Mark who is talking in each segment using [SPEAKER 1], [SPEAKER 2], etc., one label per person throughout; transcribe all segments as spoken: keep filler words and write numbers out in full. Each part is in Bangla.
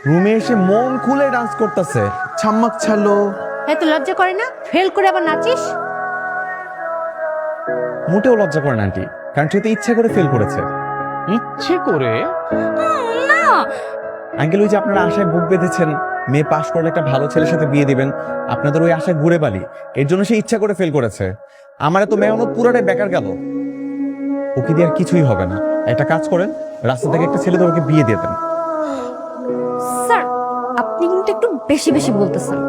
[SPEAKER 1] রুমে এসে মন খুলে ডান্স করতেছে, ছাম্মাক ছালো।
[SPEAKER 2] এত লজ্জা করে না? ফেল করে আবার নাচিস?
[SPEAKER 1] মোটেও লজ্জা করে না আন্টি, কারণ সে তো ইচ্ছে করে ফেল করেছে।
[SPEAKER 3] ইচ্ছে করে?
[SPEAKER 2] না
[SPEAKER 1] আঙ্কেল, ওই যে আপনারা আশায় বুক বেঁধেছেন মেয়ে পাশ করলে একটা ভালো ছেলের সাথে বিয়ে দিবেন, আপনাদের ওই আশায় ঘুরে বালি, এর জন্য সে ইচ্ছা করে ফেল করেছে। আমার তো মেহনত পুরোটাই বেকার গেল। ওকে দিয়ে আর কিছুই হবে না। একটা কাজ করেন, রাস্তা থেকে একটা ছেলে তোমাকে বিয়ে দিয়ে দেন।
[SPEAKER 2] স্যার, আপনি কিন্তু একটু বেশি বেশি বলতেছেন।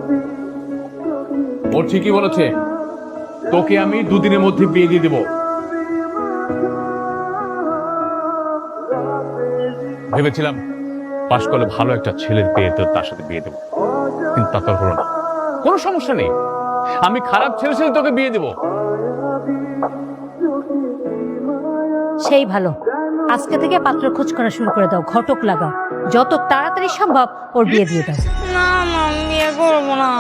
[SPEAKER 3] ও ঠিকই বলেছে, তোকে আমি দুদিনের মধ্যে বিয়ে দিয়ে দেব। ভেবেছিলাম পাশ করলে ভালো একটা ছেলের পেয়ে তো তার সাথে বিয়ে দেবো, কিন্তু তা তো হলো না। কোনো সমস্যা নেই, আমি খারাপ ছেলের সাথে তোকে বিয়ে দেবো।
[SPEAKER 2] সেই ভালো, আজকে থেকে পাত্র খোঁজ করা শুরু করে দাও, ঘটক লাগাও, যত তাড়াতাড়ি সম্ভব ওর বিয়ে দিয়ে দাও।
[SPEAKER 4] না মা, আমি বিয়ে করবো না।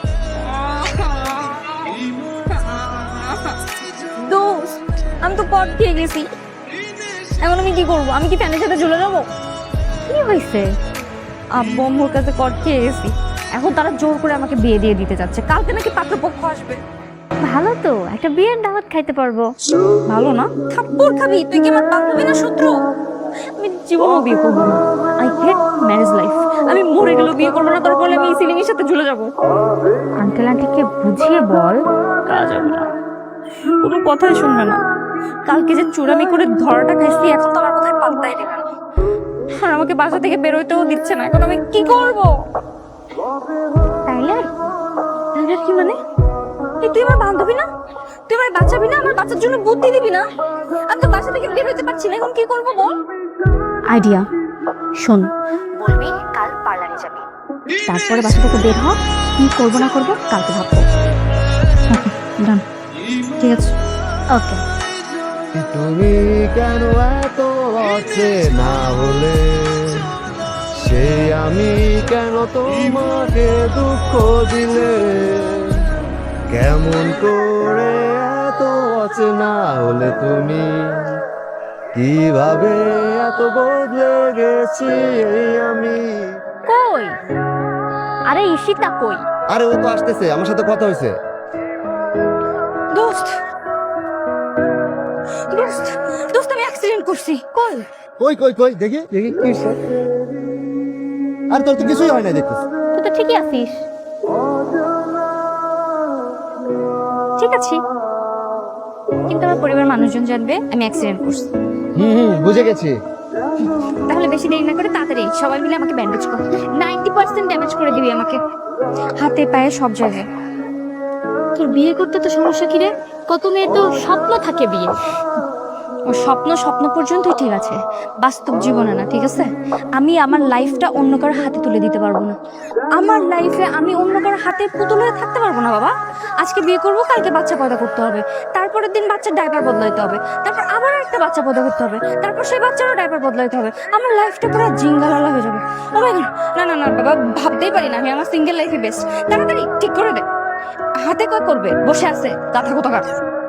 [SPEAKER 4] দোস্ত, আমি তো পট খেয়ে গেছি, এখন আমি কি করবো? আমি কি ফ্যানের সাথে ঝুলে যাবো?
[SPEAKER 2] কি হয়েছে?
[SPEAKER 4] আব্বু আম্মুর কাছে কট খেয়ে গেছি, এখন তারা জোর করে আমাকে বিয়ে দিয়ে দিতে যাচ্ছে। কালকে নাকি পাত্রপক্ষ আসবে।
[SPEAKER 2] ভালো তো, একটা বিয়ের দাওয়াত খাইতে পারবো।
[SPEAKER 4] ভালো না? থাপ্পড় খাবি? তুই কি আমার বান্ধবী না শত্রু? আমি জীবনও বিয়ে করবো না। I hate marriage life. আমি মরে গেলেও বিয়ে করবো না, তারপরে আমি এই সিলিং এর সাথে ঝুলে যাবো।
[SPEAKER 2] আঙ্কেল আন্টিকে বুঝিয়ে বল।
[SPEAKER 4] কাজ হবে না, কোনো কথাই শুনবে না। কালকে যে চুরামি করে ধরাটা খাইছি, এখন তো আমার কথায় পাত্তাই দেবে না। আর আমাকে বাসা থেকে বেরোইতেও দিচ্ছে না। এখন আমি কি করবো?
[SPEAKER 2] তাইলে
[SPEAKER 4] তাহলে কি মানে? এই তুই আমার বান্ধবী না? তুই আমার বাঁচাবি না? আমার বাচ্চার জন্য বুদ্ধি দিবি না? আমি তো বাসা থেকে বের হতে পারছি না, এখন কি করবো বল?
[SPEAKER 2] আইডিয়া শোন, বলবি কাল পার্লারে যাবি, তারপরে বাসা থেকে বের হ, কি করবো না করবো কালকে ভাববো। ডান,
[SPEAKER 4] ঠিক আছে।
[SPEAKER 2] ওকে।
[SPEAKER 5] তুমি কেন এত অচেনা হলে, সে আমি কেন তোমাকে দুঃখ দিলে, কেমন করে এত অচেনা হলে তুমি, কিভাবে এত বদলে গেছি এই আমি।
[SPEAKER 2] কই? আরে ঈশিতা কই?
[SPEAKER 5] আরে ও তো আসতেছে, আমার সাথে কথা হয়েছে।
[SPEAKER 4] দোস্ত, দোস্ত, দোস্ত, আমি অ্যাক্সিডেন্ট করছি। কই?
[SPEAKER 5] কই কই কই দেখি দেখি কি হইছে? আর তোর তো কিছুই হয় না দেখতেছি।
[SPEAKER 2] তুই তো ঠিকই আছিস। ঠিক আছে, কিন্তু আমার পরিবার মানুষজন জানবে আমি অ্যাক্সিডেন্ট করছি।
[SPEAKER 5] হুম হুম বুঝে গেছি।
[SPEAKER 4] তাহলে বেশি দেরি না করে তাড়াতাড়ি সবাই মিলে আমাকে ব্যান্ডেজ কর। নাইনটি পার্সেন্ট ড্যামেজ করে দিবি আমাকে, হাতে পায়ে সব জায়গায়।
[SPEAKER 2] তোর বিয়ে করতে তো সমস্যা কি রে? কত মেয়ের তো স্বপ্ন থাকে বিয়ে।
[SPEAKER 4] ও স্বপ্ন স্বপ্ন পর্যন্তই ঠিক আছে, বাস্তব জীবনে না, ঠিক আছে? আমি আমার লাইফটা অন্য কারোর হাতে তুলে দিতে পারবো না। আমার লাইফে আমি অন্য কারোর হাতে পুতুল হয়ে থাকতে পারবো না বাবা। আজকে বিয়ে করবো, কালকে বাচ্চা পয়দা করতে হবে, তারপরের দিন বাচ্চার ডাইপার বদলাইতে হবে, তারপর আবার একটা বাচ্চা পয়দা করতে হবে, তারপর সেই বাচ্চারও ডাইপার বদলাইতে হবে। আমার লাইফটা পুরো জিঙ্গালালা হয়ে যাবে। ও মাই গড, না না না বাবা, ভাবতেই পারি না আমি আমার সিঙ্গেল লাইফে বেস্ট। তাড়াতাড়ি ঠিক করে দে। হাতে কয় করবে, বসে আছে গাথা কোথাকার।